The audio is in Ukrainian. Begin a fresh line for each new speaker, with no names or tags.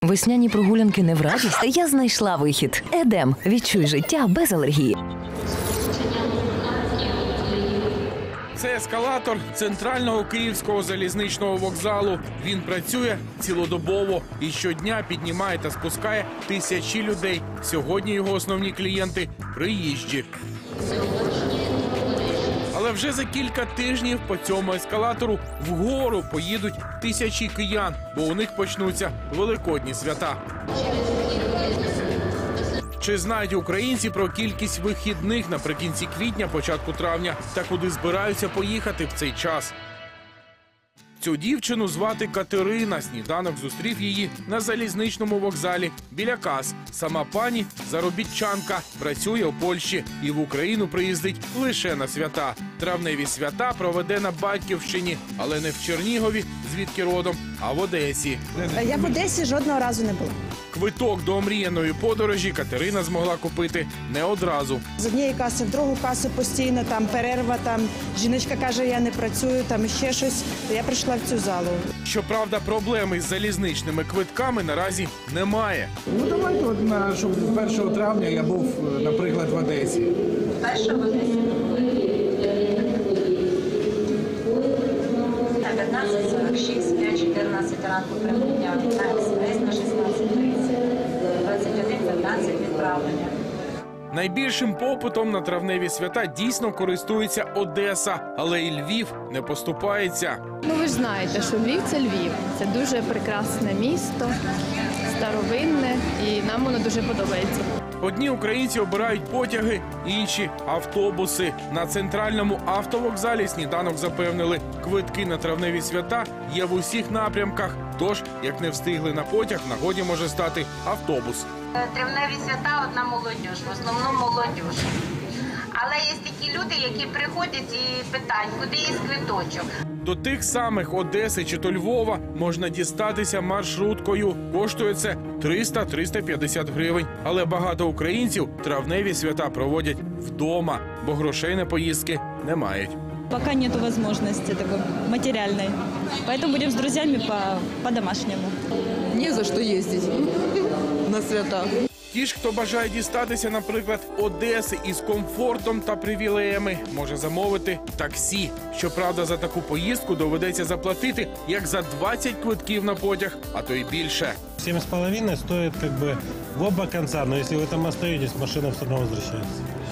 Весняні прогулянки не в радість? Я знайшла вихід. Едем. Відчуй життя без алергії.
Це ескалатор центрального київського залізничного вокзалу. Він працює цілодобово і щодня піднімає та спускає тисячі людей. Сьогодні його основні клієнти – приїжджі. Але вже за кілька тижнів по цьому ескалатору вгору поїдуть тисячі киян, бо у них почнуться великодні свята. Чи знають українці про кількість вихідних наприкінці квітня, початку травня та куди збираються поїхати в цей час? Цю дівчину звати Катерина. Сніданок зустрів її на залізничному вокзалі біля кас. Сама пані – заробітчанка, працює у Польщі і в Україну приїздить лише на свята. Травневі свята проведе на Батьківщині, але не в Чернігові, звідки родом, а в Одесі.
Я в Одесі жодного разу не була.
Квиток до омріяної подорожі Катерина змогла купити не одразу.
З однієї каси в другу касу постійно, там перерва, там жіночка каже, я не працюю, там ще щось. Я прийшла в цю залу.
Щоправда, проблеми з залізничними квитками наразі немає.
Ну давайте, щоб 1 травня я був, наприклад, в Одесі.
1 в Одесі. На 15:46, 5:14 ранку прибуття, на експрес на 16:30, 21:15 відправлення.
Найбільшим попитом на травневі свята дійсно користується Одеса, але і Львів не поступається.
Ну, ви ж знаєте, що Львів – це Львів. Це дуже прекрасне місто, старовинне, і нам воно дуже подобається.
Одні українці обирають потяги, інші – автобуси. На центральному автовокзалі сніданок запевнили, квитки на травневі свята є в усіх напрямках. Тож, як не встигли на потяг, в нагоді може стати автобус.
Травневі свята – одна молодіж, в основному молодіж. Але є такі люди, які приходять і питають, куди є квиточок.
До тих самих Одеси чи то Львова можна дістатися маршруткою. Коштує це 300-350 гривень. Але багато українців травневі свята проводять вдома, бо грошей на поїздки не мають.
Пока нету возможности такой материальной. Поэтому будем с друзьями по-домашнему.
Не за что ездить на свята.
Ті ж, хто бажає дістатися, наприклад, Одеси із комфортом та привілеями, може замовити таксі. Щоправда, за таку поїздку доведеться заплатити як за 20 квитків на потяг, а то й більше.
7,5 стоит в оба конца, но если вы там остаетесь, машина все равно возвращается.